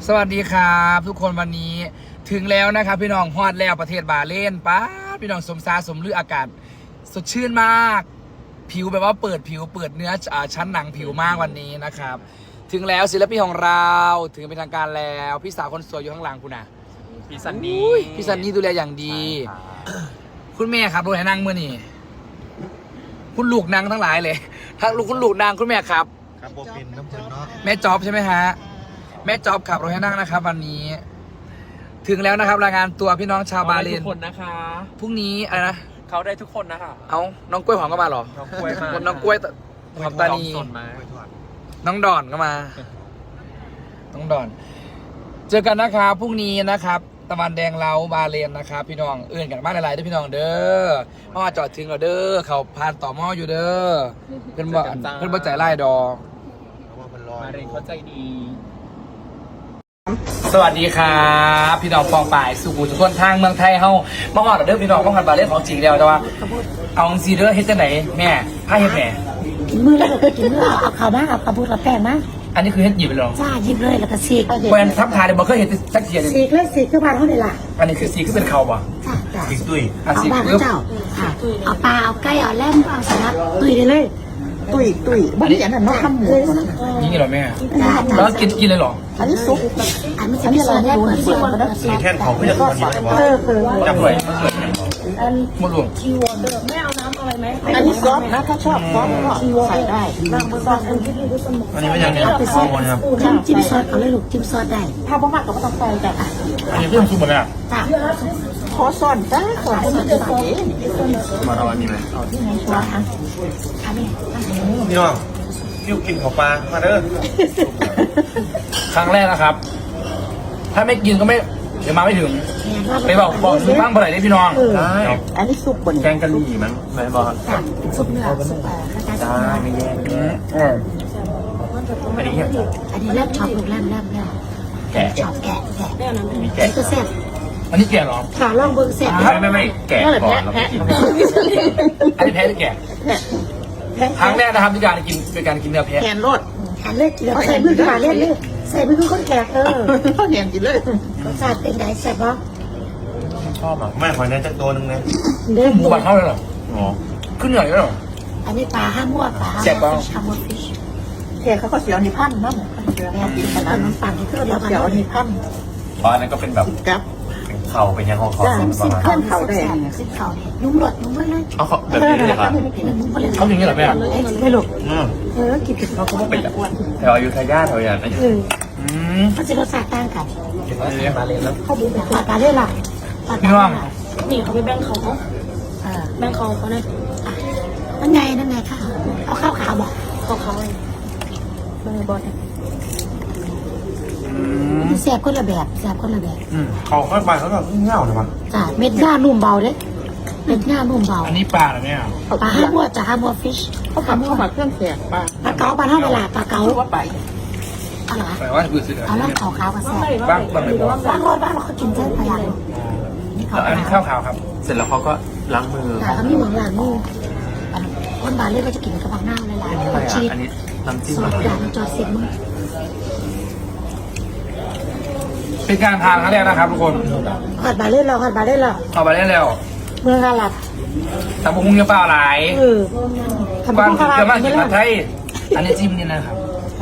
สวัสดีครับทุกคนวันนี้ถึงแล้วนะครับพี่น้องฮอดแล้วประเทศบาเลนป้าพี่น้องสมซาสมลืออากาศสดชื่นมากผิวแบบว่าเปิดผิวเปิดเนื้อชั้นหนังผิวมากวันนี้นะครับถึงแล้วศิลปินของเราถึงเป็นทางการแล้วพี่สาวคนสวยอยู่ข้างหลังคุณนะพี่ซันนี่พี่ซันนี่ดูแลอย่างดีคุณแม่ครับรถให้นั่งเมื่อนี่คุณลูกนางทั้งหลายเลยทั้งลูกคุณลูกนางคุณแม่ครับครับผมเป็นน้ำเพลินเนาะแม่จ๊อบใช่ไหมฮะแม่จ๊อบขับรถให้นั่งนะครับวันนี้ถึงแล้วนะครับรายงานตัวพี่น้องชาวบาเลนทุกคนนะคะพรุ่งนี้อะไรนะเขาได้ทุกคนนะคะเอาน้องกล้วยหอมก็มาเหรอน้องกล้วยมาน้องกล้วยหอมตานีน้องดอนก็มาน้องดอนเจอกันนะครับพรุ่งนี้นะครับตะวันแดงเล้าบาเลนนะครับพี่น้องเอื่นกันมากหลายๆด้วยพี่น้องเด้อเพราะว่าจอดถึงเราเด้อเขาผ่านต่อหม้ออยู่เด้อเพื่อนบ่ใจไล่ดอกมาเรียนเข้าใจดีสวัสดีครับพี่น้องปองป่ายสุขุมทุกคนทางเมืองไทยเฮาเมื่อก่อนเด้อพี่น้องเมื่อก่อนบาเล่นของจริงแล้วแต่ว่าเอาซีเด้อเฮ็ดจังไหนแม่ผ้าเฮ็ดแม่มือแล้วก็กินมือเอาข้าวมาเอาข้าวบุญกับแป้งมาอันนี้คือเฮ็ดหยิบไปหรอจ้าหยิบเลยแล้วก็ซีกเพิ่นทับทายเดี๋ยวบ่เคยเห็นสักเทียนึงซีกเลยซีกคือบ้านเขานี่ล่ะอันนี้คือซีคือเป็นเขาบ่จ้าจ้าติ๊กตุ้ยเอาบ้านเจ้าค่ะเอาปลาเอาไก่เอาแล่มเอาสลัดตุยได้เลยตุยบ้านนี้อันนั้นน้องทำหมูนี่เหรอแม่แล้วกินเลยเหรออันนี้ซุปอันนี้เราแยกเหมือนเดิมนะมีแค่ของก็จะทำอยู่ในบ้านจับเลยหมดหลวงไม่เอาน้ำอะไรไหมอันนี้ซอสนะถ้าชอบซอสก็ใส่ได้ซอสอันนี้ไม่ยังเนี่ยข้าวมันครับจิ้มซอสเอาเลยลูกจิ้มซอสได้ถ้าบ่มากก็ไม่ต้องใส่แต่อันนี้เพิ่มซุปหมดเลยอ่ะจ้าขอซอสจ้าขอให้มันใส่มาเอาอันนี้ไหมเอาที่ไหนซอสอันนี้พี่น้องพี่กินข้าวปลามาเด้อครั้งแรกนะครับถ้าไม่กินก็ไม่เดี๋ยวมาไม่ถึงไปบอกบ้างเมื่อไหร่ได้พี่น้องได้อันนี้ซุปบนแกงกะหรี่มั้งไม่บอกซุปเนื้อซุปได้ไม่แย่อันนี้แลบช็อปลูกแลบแกะช็อปแกะมีแกะก็แซ่บอันนี้แกะหรอขาล่องเบิ้งแซ่บไม่แกะก่อนแล้วกินอันนี้แพ้หรือแกะครั้งแรกนะครับที่การกินเป็นการกินเนื้อแพะแขนรดแขนเล็กแล้วใส่มือขาเล่นเลยใส่มือคนแก่เขาแขนกินเลยรสชาติเป็นไงแซ่บปะชอบอ่ะไม่ขอแน่จักตัวนึงนะหมูบดเข้าเลยเหรออ๋อขึ้นเหนื่อยแล้วเหรออันนี้ปลาห้ามมั่วปลาแซ่บปะห้ามมั่วฟิชแค่เขาก็เสียวนิพันธ์นั่นแม่กินขนาดนั้นปั่นที่เดียวเสียวนิพันธ์อ๋ออันนั้นก็เป็นแบบกับเข่าเป็นยังของเขาสิบเข่าได้สิบเข่านุ่มหลดนุ่มเลยเอาแบบนี้เลยครับเขาอย่างนี้เหรอแม่ไม่หลกกินเขาก็เป็นแถวอยุธยาแถวอย่างนั้นเขาจะรสชาติต่างกันมาเลยแล้วเขาดูแบบปลาเล่ล่ะพี่น้องนี่เขาไปแบ่งเขาแบ่งเขาเนี่ยนั่นไงค่ะเอาข้าวขาวบอกเขาเบอร์บอลแซ่บคนละแบบเขาค่อยไปเขาแบบเงาเลยมั้งจ้าเม็ดหน้านุ่มเบาเด้เม็ดหน้านุ่มเบาอันนี้ปลาเหรอเนี่ยปลาห้ามัวจ้าห้ามัวฟิชเขาทำเข้ามาเครื่องแกงปลาเก๋าปลาเท่าเวลาปลาเก๋าว่าไปเอาเหรอแปลว่าคือสิเอาล่างขาวกับแซ่บบ้างบ้างเราเขากินเส้นพลังอันนี้ข้าวขาวครับเสร็จแล้วเขาก็ล้างมือเขามีเหมือนล้างมือคนบาเล่ก็จะกินกระเพาะหน้าเลยล่ะชีสอันนี้น้ำจิ้มซอสด่างจอดเสียบมือเป็นการทานครั้งแรกนะครับทุกคนหัดบาเล่เราเอาไปได้แล้วเมืองอาหรับแต่บุ้งยังเปล่าหลายบ้านเกิดมากินผัดไทยอันนี้จิ้มนี่นะครับ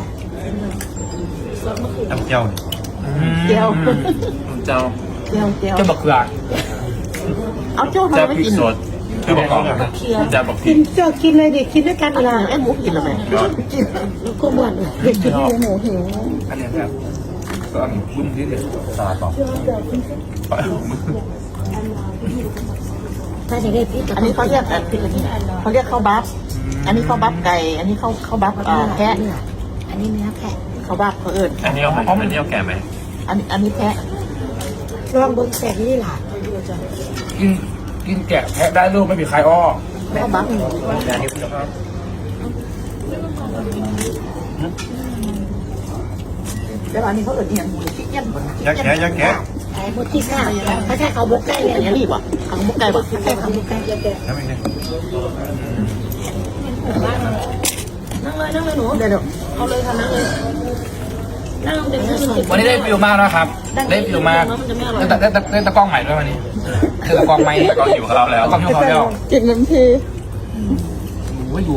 น้ำเจียวเจียวเจ้าบักเกลือเอาเจ้ามาไม่กินคือบอกก่อนจะบอกกินเจ้ากินเลยดิกินด้วยกันเวลาไอ้หมูกินอะไรก็หมดเด็กกินหมูหิวอันนี้ครับก็บุ้งที่เด็ดสลัดต่อถ้าจะได้พี่อันนี้เขาเรียกข้าวบัฟอันนี้ข้าวบัฟไก่อันนี้ข้าวบัฟแพะอันนี้เนื้อแพะข้าวบัฟเขาเอิญอันนี้เอาแก่ไหมอันนี้แพะลองบนแสกนี่หล่ะกินแกะแพะได้ลูกไม่มีใครอ้อข้าวบัฟแล้วอันนี้เขาเอิญอย่างหมูที่ยันยักแกะไอ้หมูที่ข้าวเขาแค่เขาบุกไก่เลยอย่างนี้วะเขาบุกไก่บ่ใช่เขาบุกไก่แล้วไม่ใช่นั่งเลยหนูเดี๋ยวเอาเลยค่ะนั่งเลยแล้วลองเด็กมันวันนี้ได้ฟิลมากนะครับ ได้ฟิลมากได้ตะกล้องใหม่ด้วยวันนี้คือตะกล้องใหม่ตะกล้องหิวข้าวแล้วตะกล้องหิวข้าวแล้วกินน้ำทีโอ้ยดู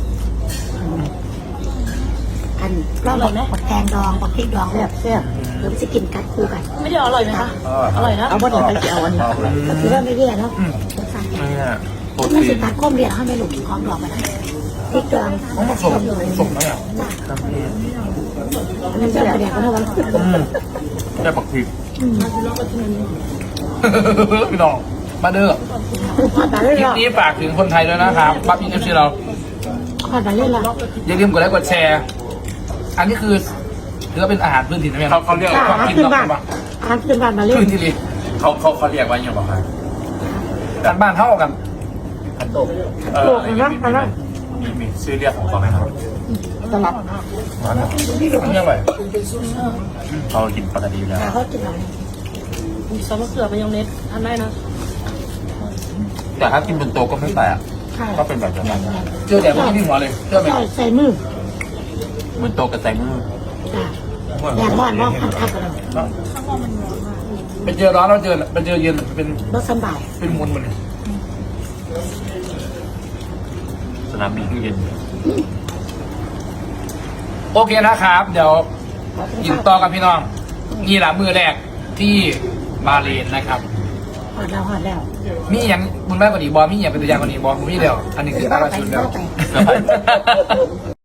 อันเราบอกนะแกงดองกับพริกดองแซ่บแซ่บหรือจะกินกัดคู่กัน ไม่ได้อร่อยไหมคะอร่อยนะเอาบ่ได้ไปจะเอาอันนี้ก็คือว่าไม่แย่แล้วเนี่ยโปรมันตีสินตัดก้มเดียวให้ไม่หลุดของดอกมันพริกดองต้องผสมนะเนี่ยอันนั้นจะกระเดียกกันเท่าไหร่ได้ปักพริกพี่น้องมาเด้อขอดบาเล่นคลิปละนี้ฝากถึงคนไทยด้วยนะครับปั๊บอินเอฟซีเราขอดบาเล่นละอย่าลืมกดไลค์กดแชร์ อันนี้คือถือว่าเป็นอาหารพื้นถิ่นใช่ไหมครับเขาเรียกความกินขึ้นเราบ้านปะอาหารขึ้นบ้านมาเล่นพื้นที่ดีเขาเรียกว่าอย่างไรครับการบ้านเท่ากันขันโตกโลกนะอันนั้นมีชื่อเรียกของเขาไหมครับตลับอันนี้อร่อยเขากินปกติอยู่แล้วเขากินอะไรมีซอสมะเขือมายองเนสทานได้นะแต่ถ้ากินบนโต๊ะก็ไม่แปลกใช่ก็เป็นแบบนั้นเจอแต่พวกที่หัวเลยเจอไหมใส่มือบนโต๊ะกับแตงมือจ้ะอยากบ้านว่าพันคับกันเป็นเจอร้อนแล้วเจอเป็นเจอเย็นเป็นรถสบายเป็นมวลมันสนามบินตู้เย็นโอเคนะครับ เดี๋ยวกินต่อกับพี่น้องนี่แหละมือแรกที่บาเลนนะครับหอดแล้วมีอย่างมึงได้กว่านี้บอมีอย่างเป็นตัวอย่างกว่านี้บอมีเดียวอันนี้คืออาราชุนเดียวไป